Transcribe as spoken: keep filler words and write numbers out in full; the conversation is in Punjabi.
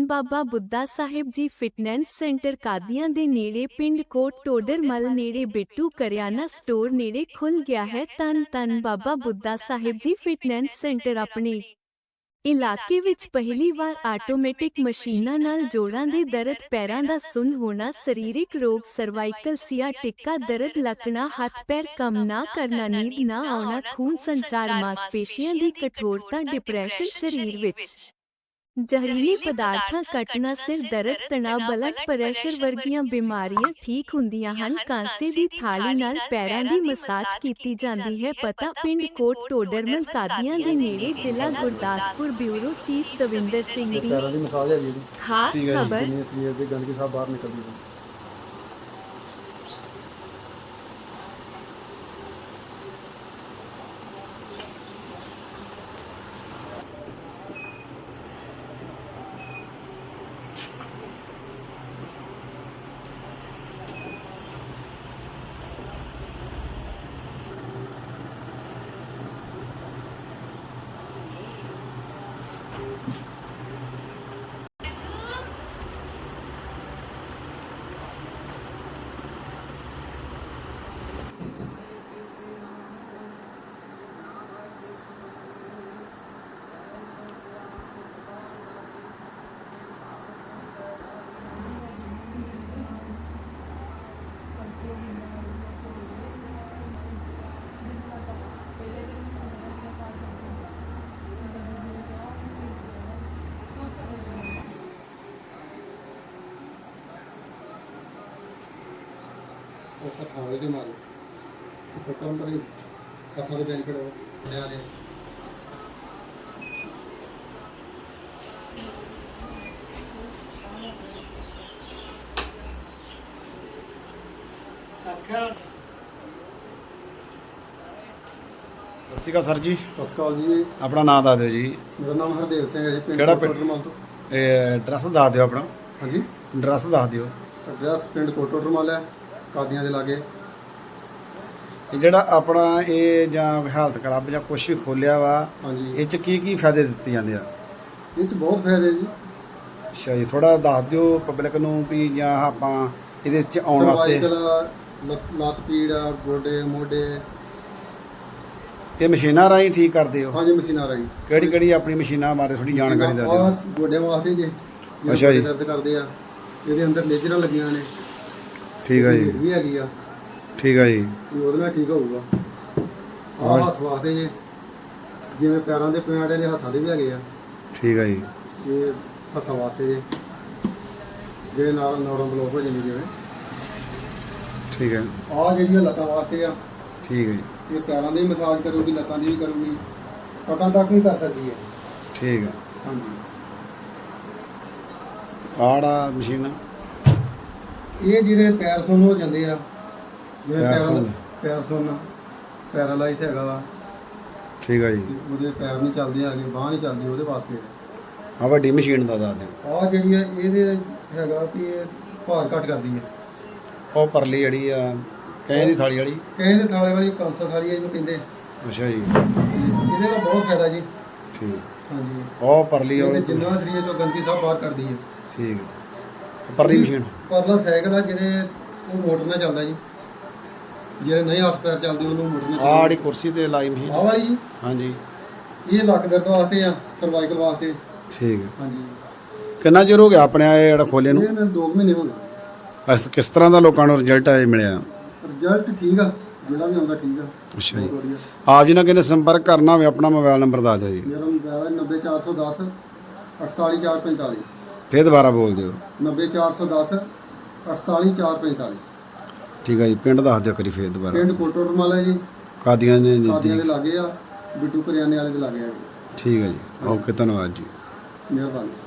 ਧੰਨ ਬਾਬਾ ਬੁੱਢਾ ਸਾਹਿਬ ਜੀ ਫਿਟਨੈਸ ਸੈਂਟਰ ਕਾਦੀਆਂ ਦੇ ਨੇੜੇ ਪਿੰਡ ਕੋਟ ਟੋਡਰਮਲ ਨੇੜੇ ਬਿੱਟੂ ਕਰਿਆਨਾ ਸਟੋਰ ਨੇੜੇ ਖੁੱਲ ਗਿਆ ਹੈ। ਧੰਨ ਧੰਨ ਬਾਬਾ ਬੁੱਢਾ ਸਾਹਿਬ ਜੀ ਫਿਟਨੈਸ ਸੈਂਟਰ ਆਪਣੇ ਇਲਾਕੇ ਵਿੱਚ ਪਹਿਲੀ ਵਾਰ ਆਟੋਮੈਟਿਕ ਮਸ਼ੀਨਾਂ ਨਾਲ ਜੋੜਾਂ ਦੇ ਦਰਦ, ਪੈਰਾਂ ਦਾ ਸੁੰਨ ਹੋਣਾ, ਸਰੀਰਕ ਰੋਗ, ਸਰਵਾਈਕਲ, ਸਿਆਟਿਕਾ ਦਰਦ, ਲਕਣਾ, ਹੱਥ ਪੈਰ ਕੰਮ ਨਾ ਕਰਨਾ, ਨੀਂਦ ਨਾ ਆਉਣਾ, ਖੂਨ ਸੰਚਾਰ, ਮਾਸਪੇਸ਼ੀਆਂ ਦੀ ਕਠੋਰਤਾ, ਡਿਪਰੈਸ਼ਨ, ਸਰੀਰ ਵਿੱਚ ਜ਼ਹਿਰੀਲੇ ਪਦਾਰਥਾਂ ਕੱਟਣਾ, ਸਿਰ ਦਰਦ, ਤਣਾਅ, ਬਲੱਡ ਪ੍ਰੈਸ਼ਰ ਵਰਗੀਆਂ ਬਿਮਾਰੀਆਂ ਠੀਕ ਹੁੰਦੀਆਂ ਹਨ। ਕਾਂਸੇ ਦੀ ਥਾਲੀ ਨਾਲ ਪੈਰਾਂ ਦੀ ਮਸਾਜ ਕੀਤੀ ਜਾਂਦੀ ਹੈ। ਪਤਾ ਪਿੰਡ ਕੋਟ ਟੋਡਰਮਲ ਕਾਦੀਆਂ ਦੇ ਨੇੜੇ, ਜ਼ਿਲ੍ਹਾ ਗੁਰਦਾਸਪੁਰ। ਬਿਊਰੋ ਚੀਫ ਦਵਿੰਦਰ ਸਿੰਘ ਦੀ ਪੈਰਾਂ ਦੀ ਮਸਾਜ ਹੈ ਜੀ। ਖਾਸ ਖਬਰ। ਜਿੰਨੀ ਸਰੀਰ ਦੀ ਗੰਦਗੀ ਸਭ ਬਾਹਰ ਨਿਕਲਦੀ ਹੈ। ਹੱਥਾਂ ਵਾਲੇ ਦੇ ਮਾਰੇ ਫਟਾਂ ਪਰੇ ਹੱਥਾਂ ਦੇ ਬੈਨੀਫਿਟ ਹੋ ਲਿਆ ਦੇ ਸਤਿ ਸ਼੍ਰੀ ਅਕਾਲ ਸਰ ਜੀ। ਸਤਿ ਸ਼੍ਰੀ ਅਕਾਲ ਜੀ। ਆਪਣਾ ਨਾਮ ਦੱਸ ਦਿਓ ਜੀ। ਮੇਰਾ ਨਾਮ ਹਰਦੇਵ ਸਿੰਘ ਹੈ ਜੀ। ਪਿੰਡ ਕਿਹੜਾ ਪਿੰਡ? ਟੋਡਰਮਲ ਤੋਂ। ਇਹ ਐਡਰੈਸ ਦੱਸ ਦਿਓ ਆਪਣਾ। ਹਾਂਜੀ, ਐਡਰੈਸ ਦੱਸ ਦਿਓ। ਐਡਰੈਸ ਪਿੰਡ ਕੋਟ ਟੋਡਰਮਲ ਹੈ, ਕਾਦੀਆਂ ਦੇ ਲਾਗੇ। ਇਹ ਜਿਹੜਾ ਆਪਣਾ ਇਹ ਜਾਂ ਹੈਲਥ ਕਲੱਬ ਜਾਂ ਕੁਛ ਵੀ ਖੋਲਿਆ ਵਾ, ਹਾਂਜੀ, ਇਹ 'ਚ ਕੀ ਕੀ ਫਾਇਦੇ ਦਿੱਤੇ ਜਾਂਦੇ ਆ? ਇਹ 'ਚ ਬਹੁਤ ਫਾਇਦੇ ਜੀ। ਅੱਛਾ ਜੀ, ਥੋੜਾ ਦੱਸ ਦਿਓ ਪਬਲਿਕ ਨੂੰ ਵੀ ਜਾਂ ਆਪਾਂ ਇਹਦੇ 'ਚ ਆਉਣ ਵਾਸਤੇ। ਸਰਵਾਈਕਲ, ਲੱਤ ਪੀੜ, ਗੋਡੇ ਮੋਢੇ, ਇਹ ਮਸ਼ੀਨਾਂ ਰਾਹੀਂ ਠੀਕ ਕਰਦੇ ਹੋ? ਹਾਂਜੀ, ਮਸ਼ੀਨਾਂ ਰਾਹੀਂ। ਕਿਹੜੀ ਕਿਹੜੀ ਆਪਣੀ ਮਸ਼ੀਨਾਂ ਬਾਰੇ ਥੋੜੀ ਜਾਣਕਾਰੀ ਦੱਸ ਦਿਓ। ਆਹ ਗੋਡਿਆਂ ਵਾਸਤੇ ਜੀ, ਅੱਛਾ ਜੀ। ਦਰਦ ਕਰਦੇ ਆ, ਇਹਦੇ ਅੰਦਰ ਲੇਜਰਾਂ ਲੱਗੀਆਂ ਨੇ। ਠੀਕ ਹੈ ਜੀ, ਵੀ ਹੈਗੀ ਆ, ਠੀਕ ਹੈ ਜੀ। ਉਹਦੇ ਨਾਲ ਠੀਕ ਹੋਊਗਾ। ਆਹ ਹੱਥ ਵਾਸਤੇ ਜੀ, ਜਿਵੇਂ ਪੈਰਾਂ ਦੇ ਪਿਆੜੇ ਦੇ ਹੱਥਾਂ ਦੇ ਵੀ ਹੈਗੇ ਆ। ਠੀਕ ਹੈ ਜੀ। ਇਹ ਹੱਥਾਂ ਵਾਸਤੇ ਜੀ, ਜਿਹੜੇ ਨਾਲ ਨੌੜਾਂ ਬਲੋਕ ਹੋ ਜਾਂਦੀ ਜਿਵੇਂ। ਠੀਕ ਹੈ। ਆਹ ਜਿਹੜੀਆਂ ਲੱਤਾਂ ਵਾਸਤੇ ਆ, ਠੀਕ ਹੈ ਜੀ। ਇਹ ਪੈਰਾਂ ਦੀ ਮਸਾਜ ਕਰੂਗੀ, ਲੱਤਾਂ ਦੀ ਵੀ ਕਰੂਗੀ, ਪਟਾਂ ਤੱਕ ਵੀ ਕਰ ਸਕਦੀ ਹੈ। ਠੀਕ ਹੈ। ਹਾਂਜੀ, ਆੜਾ ਮਸ਼ੀਨ ਇਹ ਜਿਹੜੇ ਪੈਰ ਸੁੰਨ ਹੋ ਜਾਂਦੇ ਆ, ਜਿਵੇਂ ਪੈਰ ਪੈਰਾਂ ਸੁੰਨ। ਪੈਰ ਸੁੰਨ ਪੈਰਾਲਾਈਜ਼ ਹੈਗਾ ਵਾ, ਠੀਕ ਹੈ ਜੀ। ਉਹਦੇ ਪੈਰ ਨਹੀਂ ਚੱਲਦੇ ਹੈਗੇ, ਬਾਂਹ ਨਹੀਂ ਚੱਲਦੀ, ਉਹਦੇ ਵਾਸਤੇ ਆ ਵੱਡੀ ਮਸ਼ੀਨ ਦਾ ਦੱਸ ਦਿਓ। ਆਹ ਜਿਹੜੀ ਹੈ ਇਹਦੇ ਹੈਗਾ ਵੀ ਇਹ ਭਾਰ ਘੱਟ ਕਰਦੀ ਹੈ। ਉਹ ਪਰਲੀ ਜਿਹੜੀ ਆ ਕਹੇ ਦੀ ਥਾਲੀ ਵਾਲੀ। ਕਹੇ ਦੇ ਥਾਲੇ ਵਾਲੀ ਕਾਂਸਾ ਥਾਲੀ ਹੈ ਜਿਹਨੂੰ ਕਹਿੰਦੇ। ਅੱਛਾ ਜੀ, ਇਹਦੇ ਦਾ ਬਹੁਤ ਫਾਇਦਾ ਜੀ। ਠੀਕ। ਹਾਂਜੀ, ਉਹ ਪਰਲੀ ਇਹਦੇ ਵਾਲੀ। ਜਿੰਨਾ ਸਰੀਰ ਚੋਂ ਗੰਦਗੀ ਸਭ ਬਾਹਰ ਕਰਦੀ ਹੈ। ਠੀਕ। ਪਰਲੀ ਮਸ਼ੀਨ ਪਰਲਾ ਸਾਈਕਲ ਆ, ਜਿਹਦੇ ਉਹ ਮੋਟਰ ਨਾਲ ਚੱਲਦਾ ਜੀ। ਜਿਹੜੇ ਨਹੀਂ ਹੱਥ ਪੈਰ ਚੱਲਦੇ ਉਹਨੂੰ ਮੋਟਰ ਨਾਲ ਆਹ ਜਿਹੜੀ ਕੁਰਸੀ ਤੇ ਲਾਈ ਮਸ਼ੀਨ। ਆਹ ਵਾਲੀ ਜੀ, ਹਾਂਜੀ। ਇਹ ਲੱਕ ਦਰਦ ਵਾਸਤੇ ਆ, ਸਰਵਾਈਕਲ ਵਾਸਤੇ। ਠੀਕ ਹੈ। ਹਾਂਜੀ, ਕਿੰਨਾ ਚਿਰ ਹੋ ਗਿਆ ਆਪਣੇ ਇਹ ਜਿਹੜਾ ਖੋਲੇ ਨੂੰ? ਇਹ ਮੈਨੂੰ ਦੋ ਕੁ ਮਹੀਨੇ ਹੋ ਗਏ। ਅਸ ਕਿਸ ਤਰ੍ਹਾਂ ਦਾ ਲੋਕਾਂ ਨੂੰ ਰਿਜ਼ਲਟ ਆ ਮਿਲਿਆ? ਰਿਜ਼ਲਟ ਠੀਕ ਆ, ਜਿਹੜਾ ਵੀ ਆਉਂਦਾ ਠੀਕ ਆ। ਅੱਛਾ ਜੀ। ਬਹੁਤ ਵਧੀਆ। ਆਪ ਜੀ ਨਾਲ ਕਿਨੇ ਸੰਪਰਕ ਕਰਨਾ ਹੋਵੇ ਆਪਣਾ ਮੋਬਾਈਲ ਨੰਬਰ ਦੱਸ ਦਿਓ ਜੀ। ਮੇਰਾ ਮੋਬਾਈਲ ਹੈ ਨੱਬੇ ਚਾਰ ਸੌ ਦਸ ਅਠਤਾਲੀ ਚਾਰ ਪੰਤਾਲੀ। ਫੇਰ ਦੁਬਾਰਾ ਬੋਲ ਦਿਓ। ਨੱਬੇ ਚਾਰ ਸੌ ਦਸ ਅਠਤਾਲੀ ਚਾਰ ਪੰਤਾਲੀ। ਠੀਕ ਹੈ ਜੀ। ਪਿੰਡ ਦੱਸ ਦਿਓ ਕਰੀ ਫੇਰ ਦੁਬਾਰਾ। ਪਿੰਡ ਕੋਟ ਟੋਡਰਮਲ ਹੈ ਜੀ, ਕਾਦੀਆਂ ਦੇ ਕਾਦੀਆਂ ਦੇ ਨਜ਼ਦੀਕ। ਲਾਗੇ ਆ, ਬਿੱਟੂ ਕਰਿਆਨੇ ਵਾਲੇ ਦੇ ਲਾਗੇ ਆ ਜੀ। ਠੀਕ ਹੈ ਜੀ। ਓਕੇ, ਧੰਨਵਾਦ ਜੀ। ਮਿਹਰਬਾਨੀ।